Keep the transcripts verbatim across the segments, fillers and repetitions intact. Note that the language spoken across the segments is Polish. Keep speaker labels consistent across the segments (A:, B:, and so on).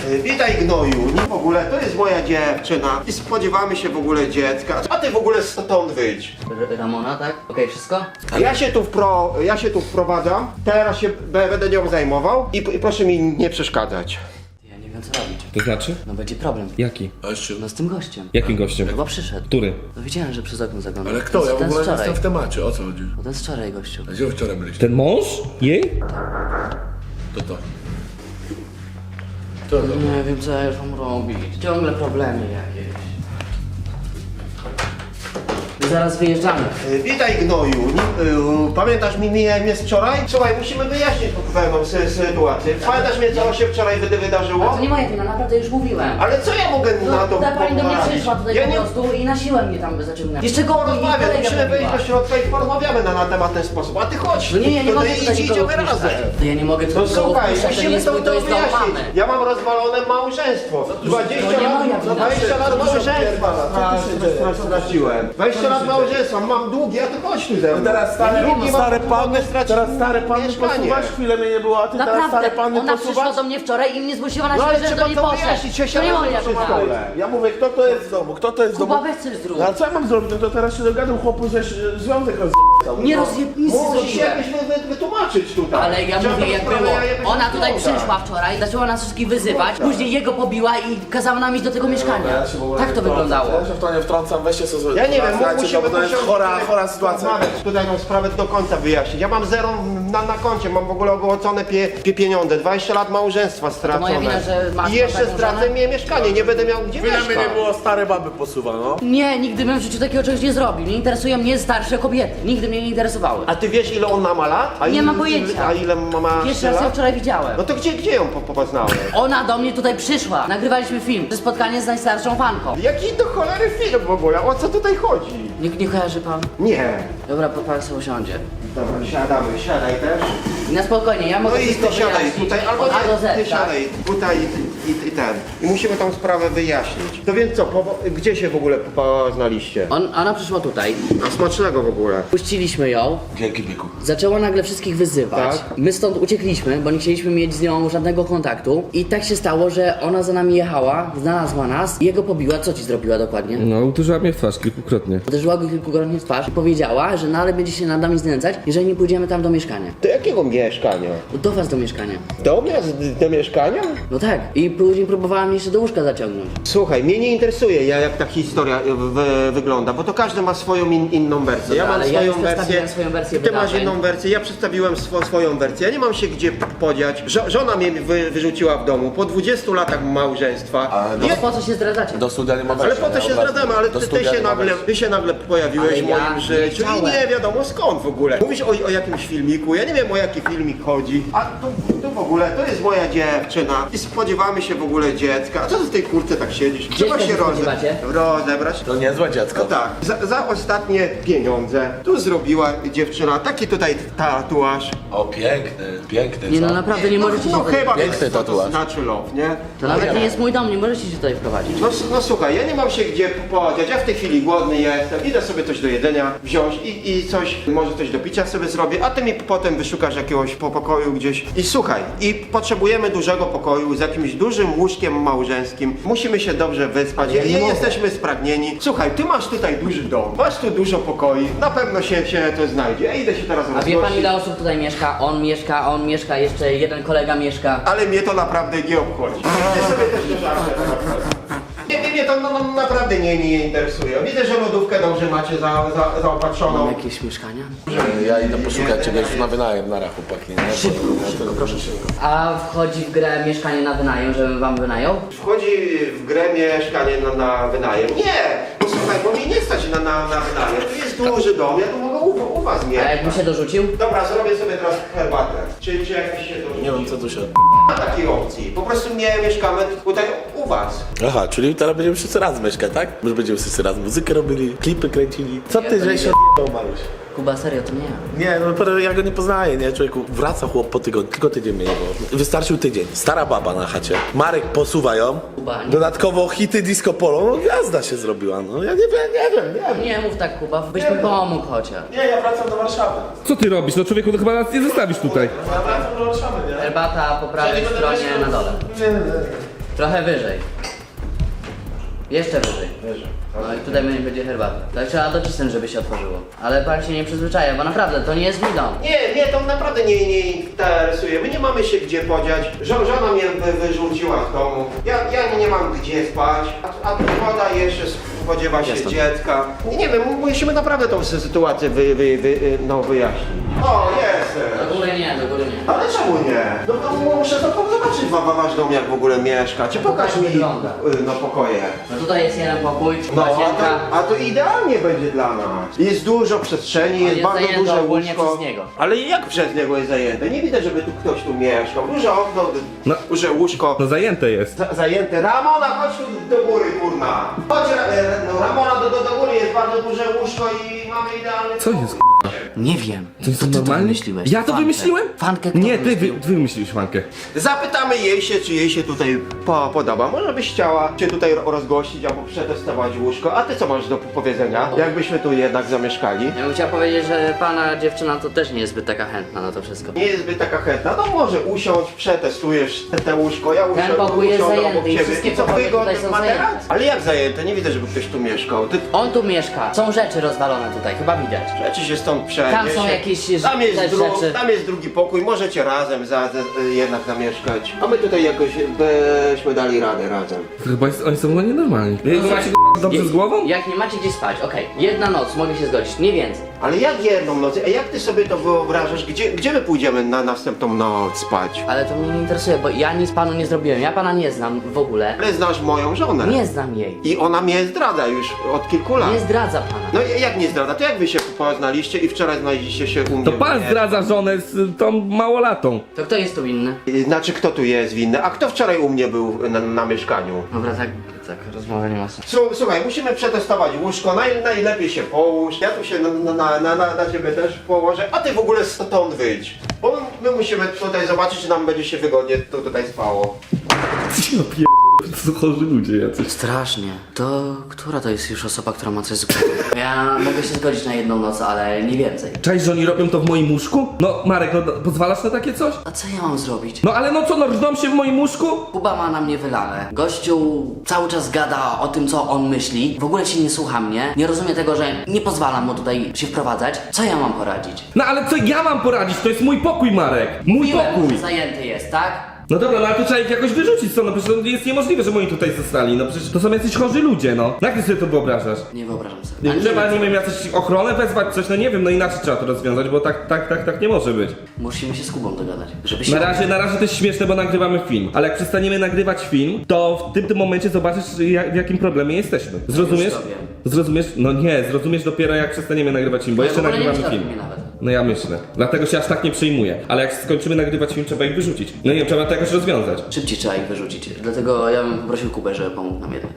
A: Witaj gnoju, nie w ogóle, to jest moja dziewczyna i spodziewamy się w ogóle dziecka. A ty w ogóle stąd wyjdź.
B: R Ramona, tak? Okej, wszystko?
A: Ja się tu wpro, ja się tu wprowadzam, teraz się b- będę nią zajmował i, i proszę mi nie przeszkadzać.
B: Ja nie wiem co robić.
C: To znaczy?
B: No będzie problem.
C: Jaki?
B: No z tym gościem.
C: Jakim gościem?
B: Chyba przyszedł.
C: Który?
B: No widziałem, że przez okno zaglądał.
D: Ale kto?
B: Ten-
D: Ja w
B: ten z
D: ogóle nie
B: wczoraj.
D: jestem w temacie, o co chodzi?
B: No ten z wczoraj gościu.
D: A gdzie wczoraj byliście?
C: Ten mąż? Jej?
D: To to. To to.
B: Nie wiem co ja już mam robić. Ciągle problemy jakieś. Zaraz wyjeżdżamy.
A: E, Witaj gnoju, nie, y, pamiętasz mi mnie, mnie z wczoraj? Słuchaj, musimy wyjaśnić pewną sy- sytuację. Pamiętasz mnie, co się wczoraj wydy- wydarzyło?
B: To nie moja wina, naprawdę już mówiłem.
A: Ale co ja mogę na
B: No,
A: to
B: ta pani do mnie
A: poradzić?
B: przyszła tutaj
A: Ja
B: po
A: nie
B: prostu i na siłę mnie tam zaciągnęła. Jeszcze go
A: porozmawiam, musimy wyjść do środka i porozmawiamy na, na temat w ten sposób. A ty chodź,
B: No nie, ja nie
A: tutaj
B: mogę tutaj
A: idź,
B: nikogo
A: idziemy razem.
B: wpuszczać. To ja nie mogę
A: No
B: tutaj nikogo
A: słuchaj,
B: wpuszczać, to nie
A: musimy
B: jest
A: to,
B: mój,
A: to
B: to jest dom
A: wyjaśnić.
B: mamy.
A: Ja mam rozwalone małżeństwo. dwadzieścia
B: to nie
A: lat,
B: moja
A: no
B: wina.
A: dwadzieścia lat
D: Co tu się
A: małżeństwa
D: odpierdala? Co tu się dzieje?
A: stra- straciłem. dwadzieścia lat małżeństwa, mam długi, a ty chodź tu ze mną.
D: Teraz stary,
A: Ja nie mam-
D: stare
A: mogę
D: panny,
A: stracić
D: teraz stare panny
A: mieszkanie.
D: posuwasz, chwilę mnie nie było, a ty teraz stare
B: Naprawdę,
D: panny
B: ona przyszła
D: posuwasz?
B: do mnie wczoraj i mnie zgłosiła na
A: No ale
B: siłę, że
A: trzeba
B: do niej
A: to
B: poszedł.
A: wyjaśnić, ja się
B: To nie
A: robię
B: moja
A: przez
B: wina.
A: stole.
D: Ja mówię, kto to jest w domu, kto to jest w domu?
B: Kuba, weź coś zrób.
D: No a co ja mam zrobić? No to teraz się dogadam chłopu, że się związek rozjebał.
B: Nie rozjeb... nic nie
A: Musisz się
B: zrobiłem.
A: jakoś wy, wy, wytłumaczyć tutaj.
B: Ale ja
A: Trzeba
B: mówię
A: tą
B: jak
A: sprawę
B: było.
A: jakoś
B: Ona tutaj
A: rozwiązać.
B: przyszła wczoraj, zaczęła nas wszystkich wyzywać, później jego pobiła i kazała nam iść do tego mieszkania.
D: Ja się w ogóle
B: Tak
D: nie
B: to
D: wtrącam.
B: wyglądało.
D: Ja się w to nie wtrącam, weźcie sobie.
A: Ja nie wiem,
D: Słuchajcie,
A: musimy,
D: bo to jest
A: musimy
D: chora,
A: tutaj
D: chora sytuacja.
A: rozmawiać, tutaj tą sprawę do końca wyjaśnić. Ja mam zero na, na koncie, mam w ogóle ogołocone pie, pie pieniądze, dwadzieścia lat małżeństwa stracone.
B: moja wina, że masz
A: I jeszcze
B: taką
A: stracę
B: żonę?
A: mnie mieszkanie, nie będę miał gdzie
D: Chwilę mnie
A: mieszkać.
D: nie było, stare baby posuwa, no.
B: Nie, nigdy bym w życiu takiego czegoś nie zrobił. Nie interesują mnie starsze kobiety. Nigdy mnie nie interesowały.
A: A ty wiesz ile on ma lat? A
B: Nie
A: ile,
B: mam pojęcia.
A: A ile ma, ma
B: Pierwszy raz ją
A: lat?
B: wczoraj widziałem.
A: No to gdzie, gdzie ją po, poznałeś?
B: Ona do mnie tutaj przyszła. Nagrywaliśmy film. To spotkanie z najstarszą fanką.
A: Jaki do cholery film w ogóle? O co tutaj chodzi?
B: Nie, nie kojarzy pan?
A: Nie.
B: Dobra, pan sobie usiądzie.
A: Dobra, siadamy, siadaj też.
B: I na spokojnie, ja mogę
A: No i
B: wszystko
A: ty siadaj
B: wyjaśnić
A: tutaj, albo
B: od A do
A: ty, ty
B: Z, tak?
A: siadaj tutaj i, i, i ten. I musimy tą sprawę wyjaśnić. To więc co, po, gdzie się w ogóle poznaliście?
B: On, ona przyszła tutaj,
A: A smacznego w ogóle.
B: puściliśmy ją,
D: Dzięki Biku.
B: zaczęła nagle wszystkich wyzywać.
A: Tak.
B: My stąd uciekliśmy, bo nie chcieliśmy mieć z nią żadnego kontaktu. I tak się stało, że ona za nami jechała, znalazła nas i jego pobiła. Co ci zrobiła dokładnie?
C: No, uderzyła mnie w twarz kilkukrotnie.
B: Uderzyła go kilkukrotnie w twarz i powiedziała, że dalej będzie się nad nami znęcać, jeżeli nie pójdziemy tam do mieszkania.
A: Do jakiego mieszkania?
B: Do was do mieszkania.
A: Do mnie? Z- Do mieszkania?
B: No tak. I później próbowała mnie jeszcze do łóżka zaciągnąć.
A: Słuchaj, mnie nie interesuje ja, jak ta historia y, wy, wygląda, bo to każdy ma swoją in, inną wersję. Ja
B: Dobra,
A: mam
B: ale ja
A: swoją
B: już
A: wersję,
B: przedstawiłem swoją wersję
A: ty masz
B: wydarzeń.
A: inną wersję, ja przedstawiłem swo, swoją wersję. Ja nie mam się gdzie podziać. Żo, żona mnie wy, wyrzuciła w domu po dwudziestu latach małżeństwa.
D: Ale
B: No
A: Ja-
B: to po co się zdradzacie?
D: Do studia nie ma
A: Ale
D: wejścia,
A: po to
D: nie?
A: się
D: Od razu.
A: zdradzamy, ale
D: Do
A: ty, ty,
D: studia
A: się
D: nie ma
A: nagle,
D: wejścia.
A: ty się nagle pojawiłeś
B: Ale
A: w
B: ja
A: moim
B: nie
A: życiu i
B: chciałem.
A: nie wiadomo skąd w ogóle. Mówisz o, o jakimś filmiku, ja nie wiem o jaki filmik chodzi. A tu, tu w ogóle, to jest moja dziewczyna i spodziewamy się w ogóle dziecka. A co ty w tej kurce tak siedzisz? Trzeba
B: Dziecka
A: się
B: się
A: roze,
B: spodziewacie?
A: rozebrać.
D: To niezłe
A: No
D: dziecko.
A: tak, za, za ostatnie pieniądze tu zrobiła dziewczyna taki tutaj tatuaż.
D: O, piękny, piękny,
B: Nie
D: co?
B: no naprawdę nie możecie się
A: No
B: tutaj...
A: chyba
D: Piękny
A: wiesz, co to
D: tatuaż.
A: znaczy love, nie?
B: To nawet nie jest mój dom, nie możecie się tutaj wprowadzić.
A: No, s- no słuchaj, ja nie mam się gdzie podziać, ja w tej chwili głodny jestem, idę sobie coś do jedzenia wziąć i, i coś, może coś do picia sobie zrobię, a ty mi potem wyszukasz jakiegoś po pokoju gdzieś. I słuchaj, i potrzebujemy dużego pokoju z jakimś dużym łóżkiem małżeńskim, musimy się dobrze wyspać,
B: Ale ja nie
A: nie
B: mogę.
A: jesteśmy spragnieni. Słuchaj, ty masz tutaj duży dom, masz tu dużo pokoi, na pewno się, się to znajdzie, ja idę się teraz
B: A wie pan
A: rozgościć.
B: ile osób tutaj mieszka? On mieszka, on mieszka, jeszcze jeden kolega mieszka.
A: Ale mnie to naprawdę nie obchodzi. Ja sobie też nie żartuję. Nie, nie, nie, to no, no, naprawdę nie, nie interesuje. Widzę, że lodówkę dobrze macie za, za,
B: Mam
A: zaopatrzoną.
B: jakieś mieszkania?
D: Ja idę poszukać czegoś na wynajem na chłopaki, nie?
B: Szybko, szybko, proszę szybko. A wchodzi w grę mieszkanie na wynajem, żebym wam wynajął?
A: Wchodzi w grę mieszkanie na, na wynajem. Nie! Bo słuchaj, bo mnie nie stać na, na, na wynajem. Tu jest duży dom, ja tu mogę u, u was
B: A
A: mieszkać.
B: jakbym się dorzucił?
A: Dobra, zrobię sobie teraz herbatę. Czy, czy jakiś się to
D: Nie wiem co tu się...
A: Nie ma takiej opcji. Po prostu nie mieszkamy tutaj u was.
D: Aha, czyli teraz będziemy wszyscy raz mieszkać, tak? Już będziemy wszyscy raz muzykę robili, klipy kręcili. Co
B: Ja
D: ty,
B: to
D: że
B: nie
D: się
B: wiem.
D: odjebał, Maruś?
B: Kuba, serio, to nie ja.
D: Nie, no pero ja go nie poznaję, nie? Człowieku, wraca chłop po tygodniu, tylko tydzień mnie nie było. Wystarczył tydzień. Stara baba na chacie. Marek posuwa ją.
B: Kuba, nie.
D: Dodatkowo hity disco polo, no gwiazda się zrobiła, no ja nie wiem, nie wiem, nie wiem.
B: Nie mów tak, Kuba, byś mi pomógł chociaż.
D: Nie, ja wracam do Warszawy.
C: Co ty robisz? No człowieku, to chyba nas nie zostawisz tutaj.
D: Ja wracam do Warszawy, nie?
B: Herbata po prawej stronie na dole.
D: Nie, nie, nie.
B: Trochę wyżej. Jeszcze wyżej. No i tutaj będzie herbata. Tak trzeba docisnąć, żeby się otworzyło. Ale pan się nie przyzwyczaja, bo naprawdę to nie jest mój dom.
A: Nie, mnie to naprawdę nie, nie interesuje. My nie mamy się gdzie podziać. Żo- żona mnie wy, wyrzuciła z domu. Ja, ja nie mam gdzie spać. A, a tu woda jeszcze spodziewa się
B: Jestem.
A: dziecka. Nie, nie wiem, musimy naprawdę tą sy- sytuację wy, wy, wy, no, wyjaśnić. O, jestem.
B: Do góry nie, do góry nie.
A: Ale czemu nie? No bo muszę to zobaczyć wa- wa- wasz dom, jak w ogóle mieszka. Czy pokaż mi
B: wygląda.
A: y, no, pokoje.
B: No tutaj jest jeden pokój,
A: No, a
B: łazienka.
A: to, a to idealnie będzie dla nas. Jest dużo przestrzeni, jest,
B: jest
A: bardzo
B: zajęte
A: duże
B: ogólnie
A: łóżko.
B: przez niego.
A: Ale jak przez niego jest zajęte? Nie widać, żeby tu ktoś tu mieszkał. Duże okno,
C: No.
A: duże łóżko.
C: No zajęte jest.
A: Za- Zajęte. Ramona, chodź tu do góry, kurna. Chodź, Ra- e, no, Ramona, do, do, do góry jest bardzo duże łóżko i mamy idealny
C: Co
A: pokój.
C: jest k***a?
B: Nie wiem.
C: To jest
B: ty to
C: normalnie?
B: wymyśliłeś?
C: Ja to
B: Fankę.
C: wymyśliłem?
B: Fankę kto
C: Nie, ty, wy,
B: wymyślił?
C: ty wymyśliłeś fankę.
A: Zapytamy jej się, czy jej się tutaj po, podoba. Może byś chciała się tutaj ro- rozgościć albo przetestować łóżko. A ty co masz do powiedzenia? Jakbyśmy tu jednak zamieszkali?
B: Ja bym chciał powiedzieć, że pana dziewczyna to też nie jest zbyt taka chętna na to wszystko.
A: Nie jest zbyt taka chętna, no może usiądź, przetestujesz te, te łóżko, ja usiądę,
B: pokój jest
A: usiądę
B: zajęty
A: obok
B: i
A: ciebie.
B: wszystkie
A: I co,
B: pokoje
A: wygodny
B: tutaj są
A: materac?
B: zajęte.
A: Ale jak zajęte? Nie widzę, żeby ktoś tu mieszkał. Ty
B: On tu mieszka. Są rzeczy rozwalone tutaj, chyba widać.
A: rzeczy się stąd przeniesie.
B: Tam są jakieś
A: tam jest,
B: też
A: dru-
B: rzeczy.
A: tam jest drugi pokój, możecie razem za, za, jednak zamieszkać. A my tutaj jakoś byśmy dali radę razem.
C: To chyba jest, oni są chyba nienormalni. Wy macie k***a, dobrze z głową?
B: Jak nie macie gdzie spać, okej. Jedna noc, mogę się zgodzić, nie więcej.
A: Ale jak jedną noc? A jak ty sobie to wyobrażasz? Gdzie, gdzie my pójdziemy na następną noc spać?
B: Ale to mnie nie interesuje, bo ja nic panu nie zrobiłem. Ja pana nie znam w ogóle.
A: Ale znasz moją żonę.
B: Nie znam jej.
A: I ona mnie zdradza już od kilku lat.
B: Nie zdradza pana.
A: No i jak nie zdradza? To jak wy się poznaliście i wczoraj znaleźliście się u mnie?
C: To pan
A: Nie.
C: zdradza żonę z tą małolatą.
B: To kto jest tu inny?
A: Znaczy, kto tu jest winny? A kto wczoraj u mnie był na, na mieszkaniu?
B: Dobra, tak, tak, rozmowa nie ma sensu.
A: Słu- Słuchaj, musimy przetestować łóżko, Naj, najlepiej się połóż, ja tu się na, na, na, na, na ciebie też położę, a ty w ogóle stąd wyjdź. Bo my musimy tutaj zobaczyć, czy nam będzie się wygodnie tu, tutaj spało.
C: Ja pier... To są chorzy ludzie jacyś.
B: Strasznie. To która to jest już osoba, która ma coś z głową? Ja mogę się zgodzić na jedną noc, ale nie więcej.
C: Cześć, że oni robią to w moim łóżku? No Marek, no pozwalasz na takie coś?
B: A co ja mam zrobić?
C: No ale no co, no rżną się w moim łóżku?
B: Kuba ma na mnie wylane. Gościu cały czas gada o tym, co on myśli. W ogóle się nie słucha mnie. Nie rozumie tego, że nie pozwalam mu tutaj się wprowadzać. Co ja mam poradzić?
C: No ale co ja mam poradzić? To jest mój pokój, Marek. Mój
B: Mówiłem,
C: pokój.
B: że zajęty jest, tak?
C: No dobra, no ale to trzeba ich jakoś wyrzucić stąd, no przecież to jest niemożliwe, że oni tutaj zostali, no przecież to są jacyś chorzy ludzie, no. Jak ty sobie to wyobrażasz?
B: Nie wyobrażam sobie.
C: Nie
B: A
C: trzeba,
B: wiem,
C: nie wiem, jakoś ochronę wezwać, coś, no nie wiem, no inaczej trzeba to rozwiązać, bo tak, tak, tak, tak nie może być.
B: Musimy się z Kubą dogadać, żeby się...
C: Na razie, na razie to jest śmieszne, bo nagrywamy film, ale jak przestaniemy nagrywać film, to w tym, tym momencie zobaczysz, jak, w jakim problemie jesteśmy. Zrozumiesz?
B: Już to wiem.
C: Zrozumiesz? No nie, zrozumiesz dopiero jak przestaniemy nagrywać film, bo
B: Ja
C: jeszcze
B: w ogóle nie
C: nagrywamy
B: myślałem
C: film.
B: o mnie nawet.
C: No ja myślę. Dlatego się aż tak nie przejmuję. Ale jak skończymy nagrywać film, trzeba ich wyrzucić. No nie wiem, trzeba to jakoś rozwiązać.
B: Szybciej trzeba ich wyrzucić. Dlatego ja bym poprosił Kubę, żeby pomógł nam jednak.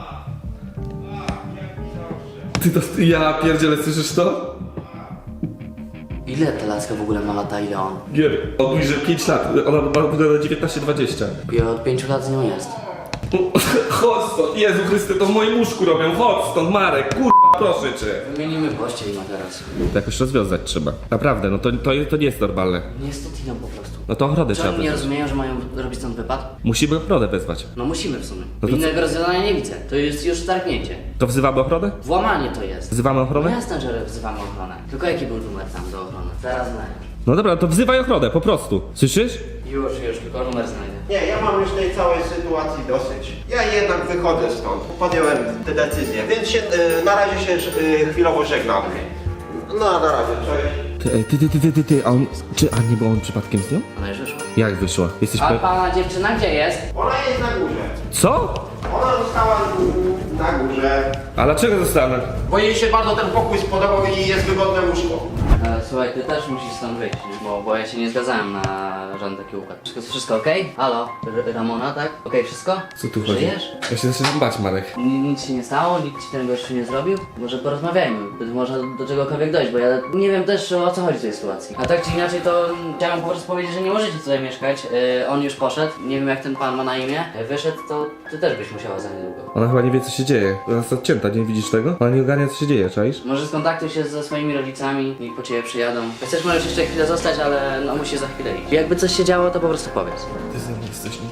C: Ty to, ja pierdzielę, słyszysz to?
B: Ile ta laska w ogóle ma lata, ile on?
C: Nie wiem. On mówi, że pięć lat, ona ma na dziewiętnaście dwadzieścia.
B: I od pięciu lat z nią jest.
C: Chodź stąd, Jezu Chryste, to w moim łóżku robią, chodź stąd Marek, kurwa, proszę cię.
B: Wymienimy pościel i materac.
C: To jakoś rozwiązać trzeba. Naprawdę, no to, to, to nie jest normalne.
B: Nie jest to Tiną po prostu.
C: No to ochronę
B: Czy
C: trzeba
B: oni nie
C: wezwać.
B: rozumieją, że mają robić stąd wypad?
C: Musimy ochronę wezwać.
B: No musimy w sumie.
C: No to
B: Innego rozwiązania nie widzę. To jest już targnięcie.
C: To wzywamy ochronę?
B: Włamanie to jest.
C: Wzywamy
B: No
C: ochronę?
B: jasne, że wzywamy ochronę. Tylko jaki był numer tam do ochrony? Zaraz znajdę.
C: No dobra, to wzywaj ochronę, po prostu. Słyszysz?
B: Już, już, tylko numer znajdę.
A: Nie, ja mam już tej całej sytuacji dosyć. Ja jednak wychodzę stąd. Podjąłem tę decyzję, więc się, y, na razie się y, chwilowo żegnam. No, na razie, cześć.
C: Ty, ej, ty, ty, ty, ty, ty, ty, a on, czy, a nie, bo on przypadkiem z nią?
B: Ona już wyszła.
C: Jak wyszła? Jesteś
B: A
C: pe...
B: pana dziewczyna gdzie jest?
A: Ona jest na górze.
C: Co?
A: Ona została na górze.
C: A dlaczego zostanę?
A: Bo jej się bardzo ten pokój spodobał i jest wygodne łóżko.
B: E, słuchaj, ty też musisz stąd wyjść, nie? Bo, bo ja się nie zgadzałem na żaden taki układ. Wszystko, wszystko okej? Halo? R Ramona, tak? Okej, wszystko?
C: Co tu chodzi?
B: Żyjesz?
C: Ja się zaczynam bać, Marek.
B: Ni- Nic się nie stało? Nikt ci ten gościu nie zrobił? Może porozmawiajmy, być może do czegokolwiek dojść, bo ja nie wiem też o co chodzi w tej sytuacji. A tak czy inaczej to chciałem po prostu powiedzieć, że nie możecie tutaj mieszkać. E, on już poszedł, nie wiem jak ten pan ma na imię. E, wyszedł, to ty też byś musiała za niedługo.
C: Ona chyba nie wie, co się dzieje. Ona jest odcięta, nie widzisz tego? Ona nie ogarnia, co się dzieje, czaisz?
B: Może skontaktuj się ze swoimi rodzicami, niech po ciebie przyjadą. Jak chcesz, możesz jeszcze chwilę zostać, ale no musisz za chwilę iść. Jakby coś się działo, to po prostu powiedz.
C: Ty ze mną jesteś nie tak, nie?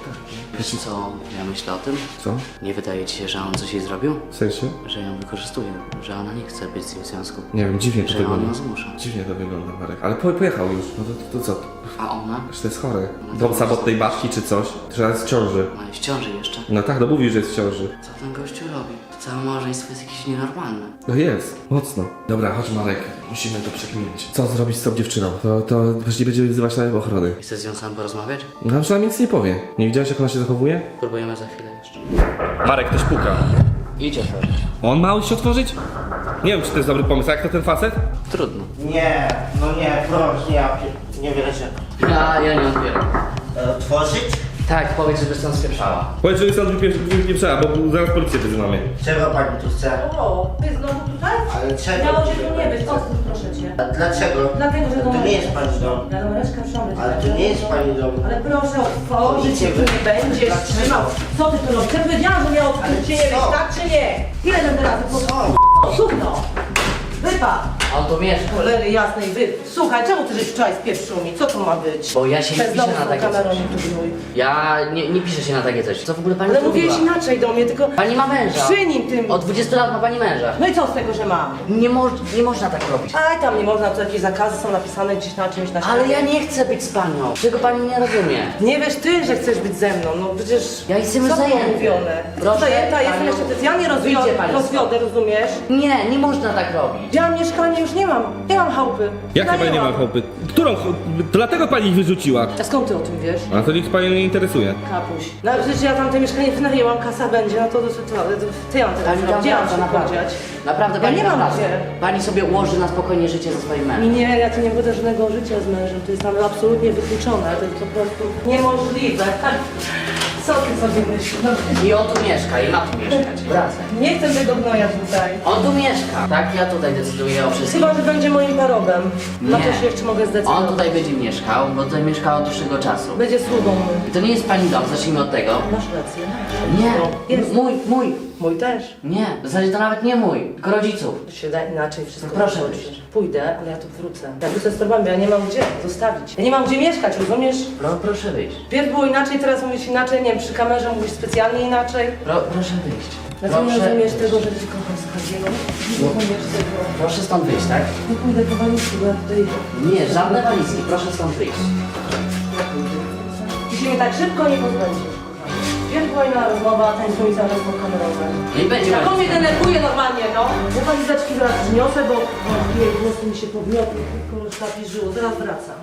B: Wiesz co, ja myślę o tym?
C: Co?
B: Nie wydaje ci się, że on coś jej zrobił?
C: W sensie?
B: Że ją wykorzystuje, że ona nie chce być z nim w związku.
C: Nie wiem, dziwnie to
B: Że on
C: wygląda.
B: ją zmusza.
C: Dziwnie to wygląda, Marek. Ale po, pojechał już, no to, to co?
B: A ona?
C: Że to jest chore. Dom samotnej babci czy coś? Że jest w ciąży.
B: Ona jest w ciąży jeszcze.
C: No tak, no mówi, że jest w ciąży.
B: Co ten gościu robi? Całe małżeństwo jest jakieś nienormalne.
C: No jest, mocno. Dobra, chodź Marek, musimy to przekminić. Co zrobić z tą dziewczyną? To, to przecież nie będziemy wzywać na ochrony.
B: Chcesz z nią sam porozmawiać?
C: No a przynajmniej nic nie powie. Nie widziałeś jak ona się zachowuje?
B: Próbujemy za chwilę jeszcze.
C: Marek, ktoś puka.
B: Idź otworzyć.
C: On ma się otworzyć? Nie wiem, czy to jest dobry pomysł. A jak to ten facet?
B: Trudno.
E: Nie, no nie, proszę, ja pie- nie wierzę.
B: Ja, ja nie otwieram.
E: E, Otworzyć?
B: Tak, powiedz, żeby stąd spieprzała.
C: Powiedz, że stąd wypieprzała, bo zaraz policję wyzywamy.
E: Czego pani tu chce?
F: O, ty znowu tutaj?
E: Ale czego?
F: Miało cię tu nie być, odstąp proszę cię.
E: A dlaczego?
F: Dlatego, że
E: To nie jest pani dom.
F: Ja numereczkę przyjąłem.
E: Ale to nie jest pani dom.
F: Ale proszę otworzyć,
E: Policja
F: tu nie będziesz
E: Dlaczego?
F: trzymał. Co ty tu robisz? Ja powiedziałam, że miało
E: Ale
F: odkryć się nie
E: co?
F: być, tak czy nie? Ile będę razy
E: Co?
F: Sukno! Wypad!
B: On tu mieszka.
F: Cholery jasnej, wy... Słuchaj, czemu ty żeś wczoraj spieprzył mi? Co to ma być?
B: Bo ja się nie
F: Bez
B: piszę
F: domu
B: na
F: z
B: takie
F: kamerą
B: coś.
F: mi tu brój.
B: Ja nie, nie piszę się na takie coś. Co w ogóle pani
F: Ale
B: zrobiła?
F: mówiłeś inaczej do mnie, tylko...
B: Pani ma męża.
F: Przy nim tym...
B: Od dwudziestu lat ma pani męża.
F: No i co z tego, że mam?
B: Nie, moż, nie można tak robić.
F: Aj, tam nie można, to jakieś zakazy są napisane gdzieś na czymś na
B: Ale
F: ścianie.
B: ja nie chcę być z panią. Czego pani nie rozumie?
F: Nie wiesz ty, że chcesz być ze mną, no przecież...
B: Ja jestem
F: co
B: zajęty.
F: było mówione?
B: Proszę
F: Zajęta jestem
B: panią.
F: jeszcze specjalnie
B: Wyjdzie
F: rozwiodę,
B: pani
F: rozwiodę, rozumiesz?
B: Nie, nie można tak robić.
F: Ja mam mieszkanie, już nie mam, nie mam chałupy.
C: Jak
F: Ja
C: to pani nie ma chłopy? Którą? ch- To dlatego pani ich wyrzuciła.
F: A skąd ty o tym wiesz?
C: A to nikt pani nie interesuje.
F: Kapuś. No ale przecież ja tam te mieszkanie wynajęłam, kasa będzie, no to, to, to, to, to co ja mam teraz
B: Pani
F: zrobić? Gdzie mam
B: naprawdę,
F: się
B: naprawdę.
F: podziać?
B: Naprawdę
F: Ja
B: pani
F: nie mam
B: naprawdę.
F: gdzie.
B: Pani sobie ułoży na spokojnie życie ze swoim
F: I
B: mężem.
F: nie, ja tu nie będę żadnego życia z mężem, to jest tam absolutnie wykluczone, to jest po prostu niemożliwe. Co ty sobie myślisz? No,
B: I on tu mieszka i ma tu mieszkać. Wracaj.
F: nie chcę tego gnoja tutaj.
B: On tu mieszka. Tak, ja tutaj decyduję o wszystkim.
F: Chyba, że będzie moim parobem. Na
B: Nie.
F: to się jeszcze mogę zdecydować.
B: On tutaj będzie mieszkał, bo tutaj mieszkał od dłuższego czasu.
F: Będzie sługą mój.
B: I to nie jest pani dom, zacznijmy od tego.
F: Masz rację.
B: Nie,
F: Jest.
B: mój, mój.
F: Mój też.
B: Nie, w zasadzie to nawet nie mój, tylko rodziców.
F: To się da inaczej wszystko.
B: No proszę
F: zrobić.
B: wyjść.
F: Pójdę, ale ja tu wrócę. Ja wrócę z torbami, ja nie mam gdzie zostawić. Ja nie mam gdzie mieszkać, rozumiesz?
B: Pro, proszę wyjść.
F: Pierw było inaczej, teraz mówisz inaczej, nie wiem, przy kamerze mówisz specjalnie inaczej.
B: Pro, proszę wyjść.
F: Dlaczego nie
B: Proszę,
F: rozumiesz tego, że ci kocham z Kaziego? Nie rozumiesz tego.
B: proszę stąd wyjść, tak?
F: Nie pójdę po walizki, bo ja tutaj...
B: Nie, żadne walizki, proszę stąd wyjść.
F: Ty się mnie tak szybko nie pozbędziesz. Pierw była inna rozmowa, ten twój zarezmo kamerowy.
B: No i będzie
F: Jak on mnie
B: walizka.
F: denerwuje normalnie, no. Ja walizeczki zaraz przyniosę, bo o, jej głos mi się podmiotł, tylko już napiżyło, zaraz wracam.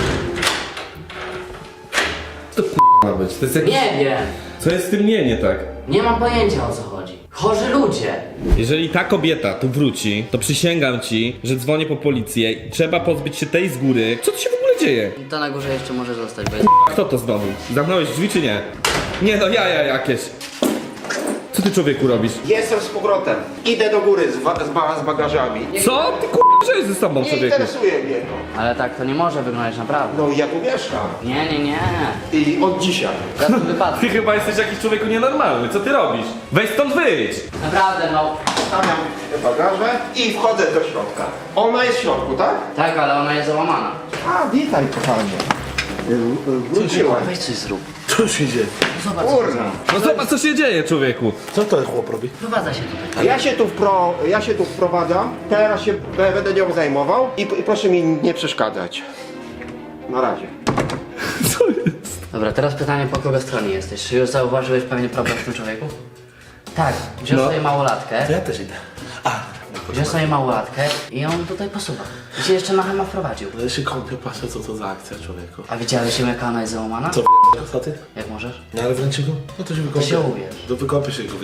C: Co to k***a ma być? To jest jakiś...
B: Nie wiem.
C: Co jest z tym nie, nie tak?
B: Nie mam pojęcia o co chodzi. Chorzy ludzie.
C: Jeżeli ta kobieta tu wróci, to przysięgam ci, że dzwonię po policję i trzeba pozbyć się tej z góry. Co tu się w ogóle dzieje?
B: To na górze jeszcze może zostać, bo jest...
C: Kto to znowu? Zamknąłeś drzwi czy nie? Nie no, jaja jakieś. Co ty człowieku robisz?
A: Jestem z powrotem. Idę do góry z, wa- z, ba- z bagażami. Nie,
C: Co? Ty k***a, co jest ze sobą
A: nie
C: człowieku?
A: interesuje mnie to.
B: Ale tak to nie może wyglądać naprawdę.
A: No i ja tu mieszkam.
B: Nie, nie, nie.
A: I od dzisiaj.
B: Za tym wypadku.
C: Ty chyba jesteś jakiś człowieku nienormalny, co ty robisz? Weź stąd wyjdź!
B: Naprawdę, no.
A: Stawiam te bagaże i wchodzę do środka. Ona jest w środku, tak?
B: Tak, ale ona jest załamana.
A: A, witaj kochanie. Y, y, Wróciłem.
B: Weź coś zrób.
D: Co się dzieje?
B: Zobacz, co
A: Kurna.
C: No zobacz co się dzieje człowieku.
D: Co ten chłop robi?
B: Prowadza się tutaj.
A: Ja się tu, wpro, ja się tu wprowadzam, teraz się b- będę nią zajmował i, i proszę mi nie przeszkadzać. Na razie.
C: Co jest?
B: Dobra, teraz pytanie, po kogo stronie jesteś? Czy już zauważyłeś pewien problem w tym człowieku? Tak, wziął
C: No.
B: sobie małolatkę,
D: To ja też idę. A,
B: wziął sobie małolatkę i ją tutaj posuwa. I się jeszcze na chema wprowadził.
D: no ja się kąpię, patrzę co to za akcja, człowieku.
B: A widziałeś ją, jaka ona jest załamana?
D: Co co ty?
B: Jak możesz?
D: No ale wręczy go? No to się wykąpię.
B: się ubierz.
D: To wykąpię się go.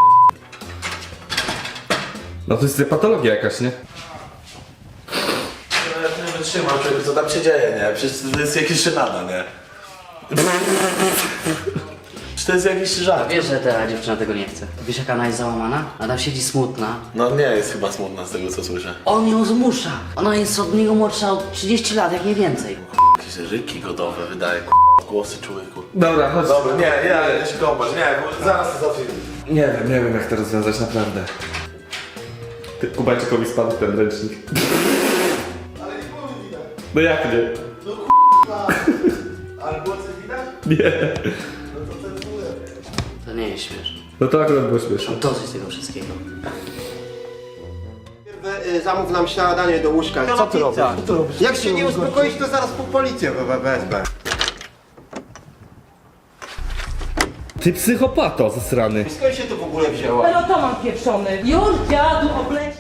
C: No to jest patologia jakaś, nie?
D: No ja nie wytrzymam, człowieku, co tam się dzieje, nie? Przecież to jest jakieś żenada, nie? Czy to jest jakiś żart?
B: Wiesz, że ta dziewczyna tego nie chce. Wiesz, jaka ona jest załamana? Ona tam siedzi smutna.
D: No nie jest chyba smutna z tego, co słyszę.
B: On ją zmusza. Ona jest od niego młodsza o trzydzieści lat, jak nie więcej.
D: Jakieś ryki godowe wydaje, głosy człowieku.
C: Dobra, chodź.
D: Dobra, nie, ja ja się kąpać, nie, bo zaraz to zacznę.
C: Nie wiem, nie wiem jak to rozwiązać naprawdę. Ty, Kubańczykowi spadł ten ręcznik. Ale nie było widać. No jak nie?
D: Ale głosy widać?
C: Nie.
B: nie jest śmieszne.
C: No to akurat było śmieszne.
B: Mam dosyć tego wszystkiego.
A: Y, Zamów nam śniadanie do łóżka.
D: Co ty robisz? Co ty robisz?
A: Jak się nie uspokoisz, to zaraz po policję we- wezmę.
C: Ty psychopato zasrany.
A: Skąd się to w ogóle wzięło?
F: Pelotoman pieprzony. Już dziadu obleci.